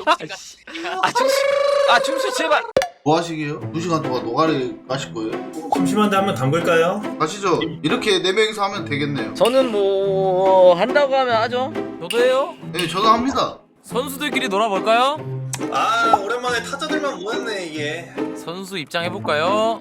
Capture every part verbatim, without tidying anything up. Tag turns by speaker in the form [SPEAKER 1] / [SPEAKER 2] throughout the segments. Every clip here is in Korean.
[SPEAKER 1] 아 중수 아 중수 제발.
[SPEAKER 2] 뭐 하시게요? 두 시간 동안 노가리 가실 거예요?
[SPEAKER 3] 심심한데 한번 담글까요?
[SPEAKER 2] 가시죠. 이렇게 네 명이서 하면 되겠네요.
[SPEAKER 1] 저는 뭐 한다고 하면 하죠.
[SPEAKER 4] 저도 해요.
[SPEAKER 2] 네, 저도 합니다.
[SPEAKER 4] 선수들끼리 놀아볼까요?
[SPEAKER 3] 아 오랜만에 타자들만 모였네 이게.
[SPEAKER 4] 선수 입장해볼까요?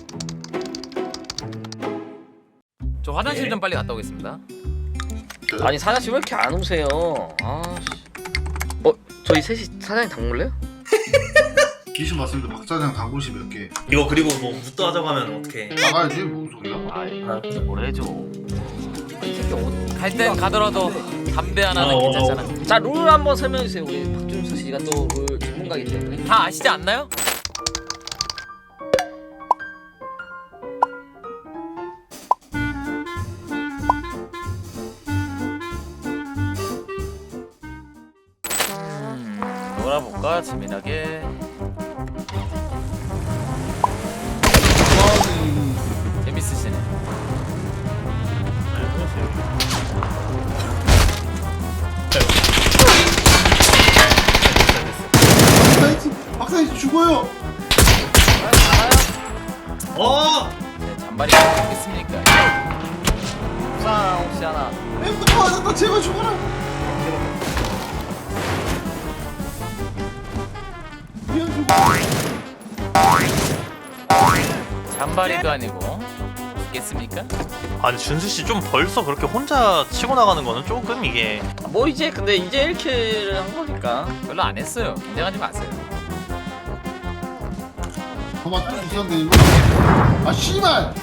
[SPEAKER 4] 저 화장실 좀 빨리 갔다 오겠습니다.
[SPEAKER 1] 아니 사장씨 왜 이렇게 안 오세요? 아씨. 어 저희 셋이 사장님 당물래요?
[SPEAKER 2] 귀신 봤습니다. 박사장 당구시 몇 개.
[SPEAKER 3] 이거 그리고 뭐 무도 하자고 하면 어떡해.
[SPEAKER 2] 나가야지 무슨 소리야?
[SPEAKER 1] 아이 뭘 해줘. 이 새끼 어디?
[SPEAKER 4] 갈 땐 가더라도 담배 하나는
[SPEAKER 3] 어,
[SPEAKER 4] 괜찮잖아.
[SPEAKER 1] 자 룰 한번 설명해 주세요. 우리 박준수 씨가 또 룰 전문가이기 때문에.
[SPEAKER 4] 다 아시지 않나요? 음, 놀아볼까 재미나게. 재밌으시네.
[SPEAKER 2] 박사님, 박사님 죽어요.
[SPEAKER 3] 어!
[SPEAKER 4] 네, 잔발이 좋겠습니까?
[SPEAKER 1] 상 혹시 하나.
[SPEAKER 2] 엠부터 맞았다. 제발 죽어라. 미안 죽어.
[SPEAKER 4] 잔발이도 아니고 있겠습니까?
[SPEAKER 5] 아니 준수 씨 좀 벌써 그렇게 혼자 치고 나가는 거는 조금 이게
[SPEAKER 1] 뭐 이제 근데 이제 일 킬을 한 거니까.
[SPEAKER 4] 별로 안 했어요. 긴장하지 마세요.
[SPEAKER 2] 도마 또 있었는데 이거. 아 씨발.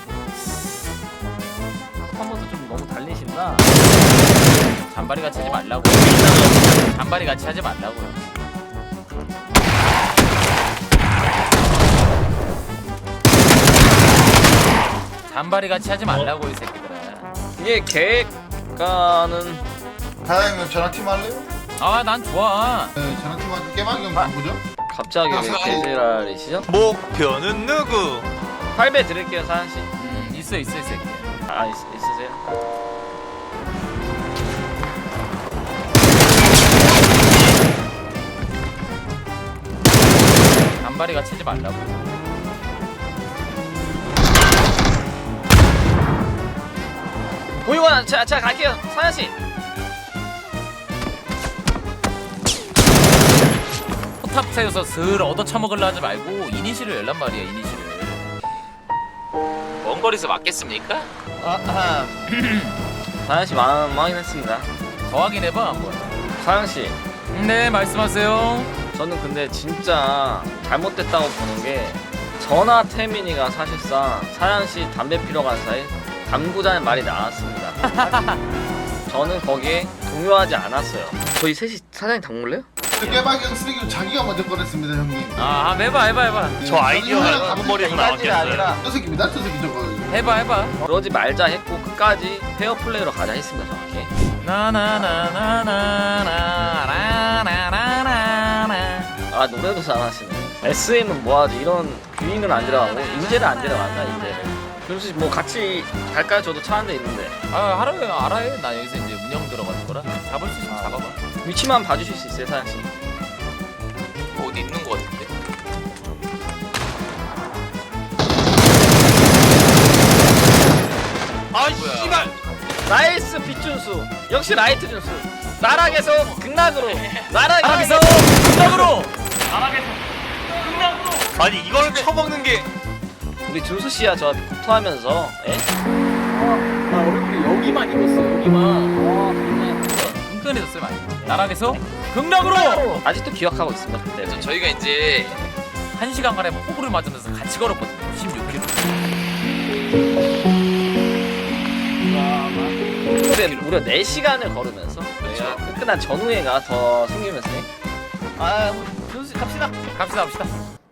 [SPEAKER 1] 한 번도 좀 너무 달리신다.
[SPEAKER 4] 잔발이 같이 하지 말라고. 잔발이 같이 하지 말라고요. 잔발이 같이 하지 말라고 이 새끼들아.
[SPEAKER 1] 이게 계획가는
[SPEAKER 2] 사장님 저랑 팀 할래요?
[SPEAKER 4] 아 난 좋아.
[SPEAKER 2] 네, 저랑 팀한테 깨박이 형 바꾸죠?
[SPEAKER 1] 갑자기 왜 개지랄이시죠?
[SPEAKER 5] 목표는 누구?
[SPEAKER 1] 팔 배 드릴게요 사장씨.
[SPEAKER 4] 음 있어 있어 이 새끼.
[SPEAKER 1] 아 있, 있으세요?
[SPEAKER 4] 잔발이 같이 하지 말라고.
[SPEAKER 1] 고용원 제가, 제가 갈게요 사장씨.
[SPEAKER 4] 포탑 세워서 슬 얻어 처먹으려 하지 말고 이니시를 열란 말이야 이니시를. 먼 거리에서 맞겠습니까?
[SPEAKER 1] 아하. 사장씨 마음 확인했습니다.
[SPEAKER 4] 더 확인해봐 한번.
[SPEAKER 1] 사장씨
[SPEAKER 4] 네 말씀하세요.
[SPEAKER 1] 저는 근데 진짜 잘못됐다고 보는 게 전화 태민이가 사실상 사장씨 담배 피러 간 사이 담구자는 말이 나왔습니다. 저는 거기에 동요하지 않았어요. 저희 셋이 사장님 당물래요?
[SPEAKER 2] 그 깨박이 형 쓰레기를 자기가 먼저 꺼냈습니다 형님.
[SPEAKER 4] 아 해봐 해봐 해봐.
[SPEAKER 2] 네,
[SPEAKER 5] 저 아이디어가
[SPEAKER 2] 저는
[SPEAKER 5] 누구 머리에서
[SPEAKER 1] 이까지
[SPEAKER 5] 나왔겠어요?
[SPEAKER 1] 아니라
[SPEAKER 2] 저 새끼입니다. 저 새끼 저거.
[SPEAKER 4] 해봐 해봐.
[SPEAKER 1] 그러지 말자 했고 끝까지 페어플레이로 가자 했습니다 정확히.
[SPEAKER 4] 나나나나나나나나나나.
[SPEAKER 1] 아 노래도 잘하시네. 에스엠은 뭐하지 이런 귀인을 안 데려가고 인재를 안 데려간다 인재를. 그래서 뭐 같이 갈까요? 저도 차 한 대 있는데.
[SPEAKER 4] 아 하루에 알아요. 나 여기서 이제 운영 들어가는 거라 잡을 수 있으면 잡아봐.
[SPEAKER 1] 위치만 봐주실 수 있어요 사장씨?
[SPEAKER 4] 어디 있는 거 같은데.
[SPEAKER 5] 아
[SPEAKER 4] 뭐야.
[SPEAKER 5] 씨발!
[SPEAKER 1] 나이스 빗준수 역시 라이트 준수. 나락에서 극락으로 나락에서
[SPEAKER 4] 나락에서 극락으로.
[SPEAKER 5] 아니 이걸 쳐먹는 게
[SPEAKER 1] 우리 준수 씨야 저 구토하면서 에? 아 얼굴이 여기만 입었어 여기만.
[SPEAKER 4] 은근해졌어요 많이. 나락에서 극락으로.
[SPEAKER 1] 아직도 기억하고 있습니다 그때.
[SPEAKER 4] 그래서 저희가 이제 한 시간간에 호구를 맞으면서 같이 걸었거든요. 십육 킬로미터.
[SPEAKER 1] 근데 무려 네 시간을 걸으면서 저희가 끝난 전후회가 더 생기면서 아 준수 씨 갑시다.
[SPEAKER 4] 갑시다 갑시다.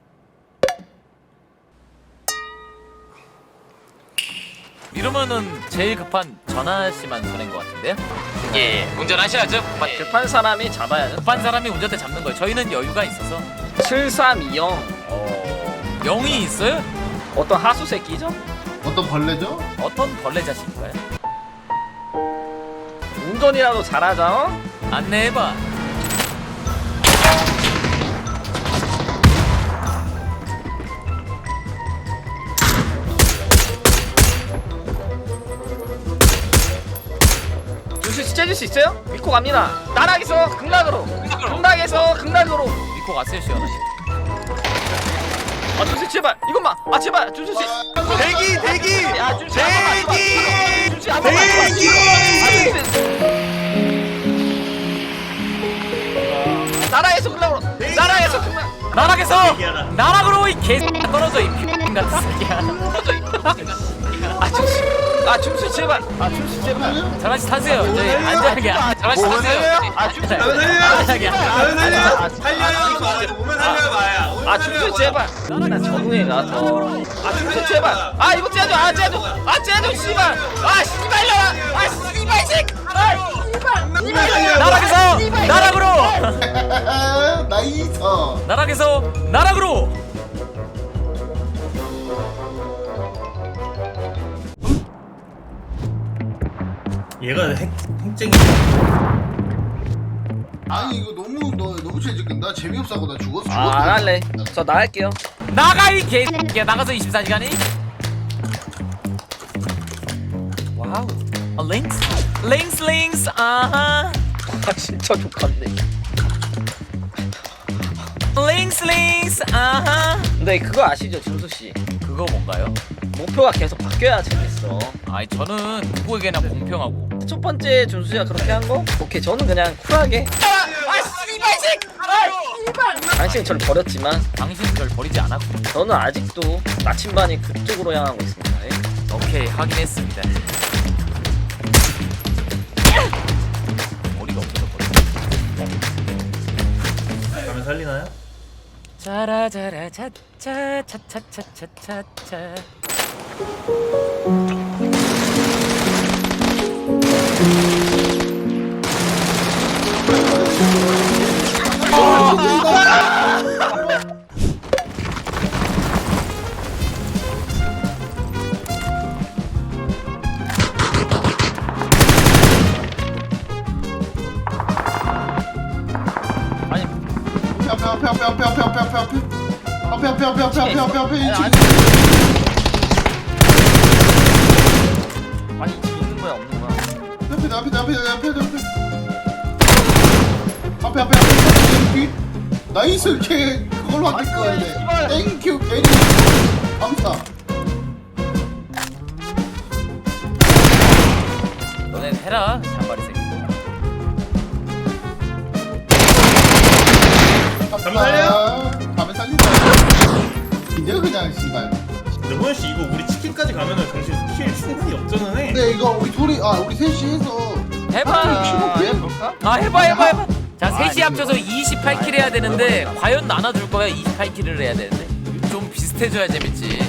[SPEAKER 4] 이러면은 제일 급한 전하 씨만 손해인 것 같은데요? 예, 운전하셔야죠. 예.
[SPEAKER 1] 급한 사람이 잡아야죠.
[SPEAKER 4] 급한 사람이 운전대 잡는 거예요. 저희는 여유가 있어서.
[SPEAKER 1] 칠삼이영 어...
[SPEAKER 4] 영이 있어요?
[SPEAKER 1] 어떤 하수 새끼죠?
[SPEAKER 2] 어떤 벌레죠?
[SPEAKER 4] 어떤 벌레 자식인가요?
[SPEAKER 1] 운전이라도 잘하자 어?
[SPEAKER 4] 안내해봐.
[SPEAKER 1] 수 있어요? 믿고 갑니다. 나락에서 극락으로, 극락에서 극락으로.
[SPEAKER 4] 믿고 갔어요 시원하.
[SPEAKER 1] 아 준수 제발 이것만. 아 제발 준수 씨.
[SPEAKER 5] 대기 대기
[SPEAKER 1] 야 준수 한 번만.
[SPEAKER 5] 대기
[SPEAKER 1] 준수 한 번만.
[SPEAKER 5] 대기.
[SPEAKER 1] 나락에서 극락으로. 나락에서 극락.
[SPEAKER 4] 나락에서
[SPEAKER 3] 얘기하라.
[SPEAKER 4] 나락으로 이 개 떨어져 이 X 같은 새끼야.
[SPEAKER 1] 아 준수. 아 준수 제발. 아 준수 제발.
[SPEAKER 4] 저같이 타세요. 저희 안전하게 저같이 타세요.
[SPEAKER 1] 아 준수.
[SPEAKER 3] 가면 살려.
[SPEAKER 4] 안전하게.
[SPEAKER 3] 가면 살려. 살려요. 마. 오면 살려요 마야. 오면
[SPEAKER 1] 아
[SPEAKER 3] 살려요,
[SPEAKER 1] 준수
[SPEAKER 3] 마.
[SPEAKER 1] 제발. 나 적응해가 더. 아 준수 제발. 아 이거 째줘. 아 째줘. 아 째줘 씨발. 아 씨발려. 아 씨발 새끼. 아 씨발. 씨발.
[SPEAKER 4] 나락에서 나락으로.
[SPEAKER 2] 나이스.
[SPEAKER 4] 나락에서 나락으로.
[SPEAKER 3] 얘가 핵 핵쟁이.
[SPEAKER 2] 아니 이거 너무 너 너무 죄짓긴다. 재미없어 하고 나 죽었어. 죽었어.
[SPEAKER 1] 아 안 할래. 저 나갈게요.
[SPEAKER 4] 나가 이 개새끼야. 나가서 이십사 시간이. 와우. 어, 링스 링스 링스 아하.
[SPEAKER 1] 아 진짜 좋겠네.
[SPEAKER 4] 링스 링스 아하.
[SPEAKER 1] 근데 그거 아시죠 준수 씨?
[SPEAKER 4] 그거 뭔가요?
[SPEAKER 1] 목표가 계속 바뀌어야 재밌어.
[SPEAKER 4] 아니 저는 누구에게나 공평하고.
[SPEAKER 1] 첫 번째 준수 씨가 그렇게 한 거? 오케이 저는 그냥 쿨하게. 아 씨발 새끼. 아 씨발. 당신은 저를 버렸지만
[SPEAKER 4] 당신은 절 버리지 않았고.
[SPEAKER 1] 저는 아직도 나침반이 그쪽으로 향하고 있습니다. 예?
[SPEAKER 4] 오케이 확인했습니다. 머리가 없어져 버려.
[SPEAKER 3] 가면 살리나요?
[SPEAKER 4] 짜라짜라 차차차차차차차.
[SPEAKER 1] 아니
[SPEAKER 2] 앞에 앞에 앞에 앞에 앞에 앞에 앞에 앞에 앞에 앞에 앞에 앞에 앞에 앞에 앞에 이
[SPEAKER 1] 아니,
[SPEAKER 2] 층.
[SPEAKER 1] 아니 지금 있는 거야 없는 거야?
[SPEAKER 2] 앞에 앞에 앞에 앞에 앞에 앞에 앞에 앞에 뒤. 나이스 걔 그걸로 안 될 거야
[SPEAKER 1] 씨발.
[SPEAKER 2] 돼. 땡큐 괜히 감사.
[SPEAKER 4] 너넨 해라 잔바리 새끼.
[SPEAKER 2] 가면
[SPEAKER 3] 살려요?
[SPEAKER 2] 가면 살린다. 이제 그냥 씨발.
[SPEAKER 3] 근데 호연 씨 이거 우리 치킨까지 가면은 당신 킬 충분히 역전은 해.
[SPEAKER 2] 근데 이거 우리 둘이 아 우리 셋이 해서
[SPEAKER 4] 해봐.
[SPEAKER 2] 아,
[SPEAKER 1] 해볼까?
[SPEAKER 4] 아 해봐 해봐 해봐. 자
[SPEAKER 1] 아,
[SPEAKER 4] 셋이 합쳐서 이십팔 킬 해야 되는데 과연 나눠줄 거야? 이십팔 킬을 해야 되는데 좀 비슷해져야 재밌지.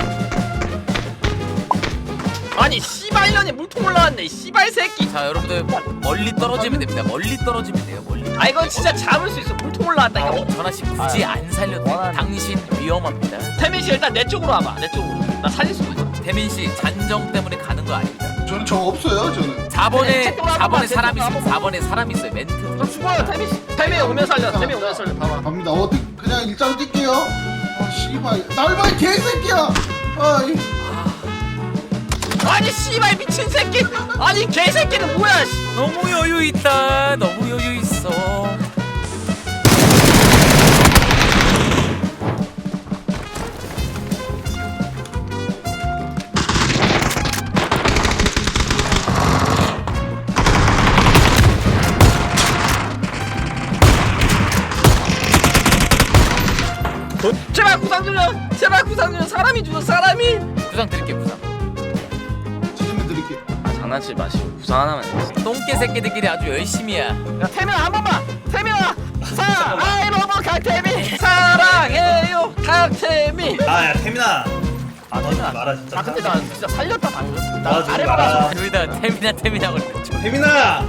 [SPEAKER 1] 아니 씨발 년이 물통 올라왔네 이 씨발 새끼.
[SPEAKER 4] 자 여러분들 멀리 떨어지면 됩니다. 멀리 떨어지면 돼요. 멀리.
[SPEAKER 1] 아 이건 진짜 잡을 수 있어. 물통 올라왔다 이거.
[SPEAKER 4] 전하 씨 굳이 안 살려도 돼요.
[SPEAKER 1] 원하는-
[SPEAKER 4] 당신 위험합니다.
[SPEAKER 1] 태민 씨 일단 내 쪽으로 와봐. 내 쪽으로. 나 살릴 수 있어.
[SPEAKER 4] 태민 씨 잔정 때문에 가는 거 아닙니다.
[SPEAKER 2] 저는 저 없어요 저는.
[SPEAKER 4] 사 번에
[SPEAKER 1] 네,
[SPEAKER 4] 사 번에
[SPEAKER 1] 제
[SPEAKER 4] 사람
[SPEAKER 1] 쪽으로 한
[SPEAKER 4] 있으면
[SPEAKER 1] 번만.
[SPEAKER 4] 사 번에 사람 있어요. 멘트.
[SPEAKER 1] 너 죽어요 태민 씨. 태민 오면 살려. 태민 오면 살려. 바로.
[SPEAKER 2] 갑니다. 어떻게 그냥 일자로 뛸게요. 아 씨발 날봐 개새끼야. 아이
[SPEAKER 1] 아니 씨발 미친 새끼. 아니 개새끼는 뭐야? 씨.
[SPEAKER 4] 너무 여유 있다. 너무 여유 있어.
[SPEAKER 1] 제발 구상 주려. 제발 구상 주려. 사람이 주려. 사람이.
[SPEAKER 4] 부상 드릴게 부상.
[SPEAKER 2] 지금 드릴게.
[SPEAKER 1] 아, 장난치지 마시고 구상 하나만 해주세요.
[SPEAKER 4] 똥개 새끼들끼리 아주 열심히야.
[SPEAKER 1] 야 태민아 한 번만. 태민아. 사랑해 로봇 강태민. 사랑해요 강태민.
[SPEAKER 3] 아야 태민아. 아 너 좀 말아 진짜.
[SPEAKER 1] 아 근데 나 진짜 살렸다 방금. 나
[SPEAKER 3] 아, 좀
[SPEAKER 1] 아래
[SPEAKER 3] 말아.
[SPEAKER 1] 봐가지고.
[SPEAKER 4] 둘 다 태민아 태민아 그랬죠.
[SPEAKER 3] 태민아.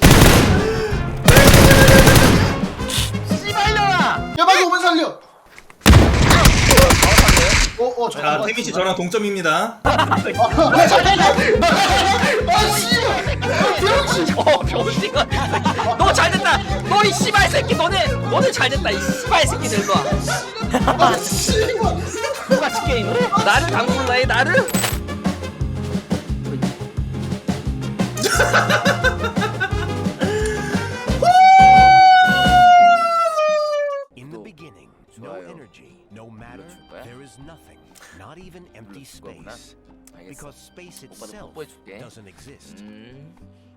[SPEAKER 1] 씨발려라.
[SPEAKER 2] 야 빨리 오면 살려. 어어
[SPEAKER 3] 자
[SPEAKER 2] 잠깐만.
[SPEAKER 3] 태민 씨 저랑 동점입니다.
[SPEAKER 2] 아 씨발. 병신.
[SPEAKER 1] 어 병신아. 너 잘됐다. 너 이 씨발 새끼 너네 너네 잘됐다 이 씨발 새끼들 너.
[SPEAKER 2] 아 씨발.
[SPEAKER 1] 똑같이 게임을? 나를 당불라 해 나를?
[SPEAKER 6] energy. No matter,
[SPEAKER 4] 줄 거야?
[SPEAKER 6] there is nothing, not even empty
[SPEAKER 4] 줄 거구나.
[SPEAKER 6] space.
[SPEAKER 4] 알겠어.
[SPEAKER 6] Because space
[SPEAKER 4] 오빠도
[SPEAKER 6] itself
[SPEAKER 4] 뽀뽀해줄게.
[SPEAKER 6] doesn't exist.
[SPEAKER 4] 음.